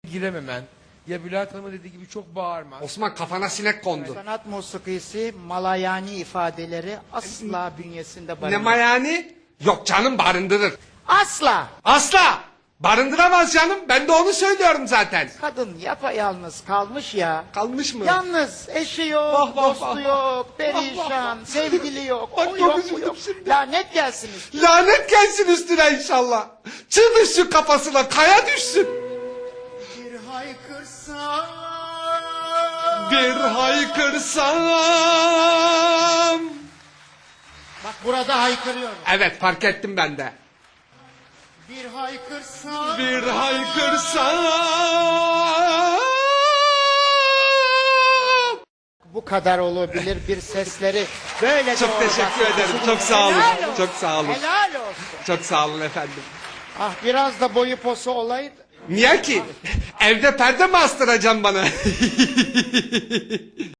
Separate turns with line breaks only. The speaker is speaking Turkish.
girememen. Ya Bülent Hanım'ın dediği gibi çok bağırma.
Osman kafana sinek kondu.
Sanat musikisi malayani ifadeleri asla bünyesinde
Ne
barındırmaz.
mayani? Yok canım barındırır.
Asla.
Asla. Barındıramaz canım. Ben de onu söylüyorum zaten.
Kadın yapayalnız kalmış ya.
Kalmış mı?
Yalnız eşi yok,
Vah, vah,
dostu
vah,
yok, perişan, sevgili yok,
Bak,
o
çok
yok, bu
üzüldüm
yok.
şimdi.
Lanet gelsin üstüne.
Lanet gelsin üstüne inşallah. Çığ düşsün kafasına, kaya düşsün.
Bir haykırsam.
Bir haykırsam.
Bak burada haykırıyorum.
Evet fark ettim ben de.
Bir haykırsam.
Bir haykırsam.
Bu kadar olabilir bir sesleri böyle
Çok
doğru
teşekkür
bak.
ederim. Çok sağ olun.
Helal olsun.
Çok sağ olun.
Helal olsun.
Çok sağ olun efendim.
Ah biraz da boyu posu olaydı.
Niye ki? Evde perde mi astıracaksın bana?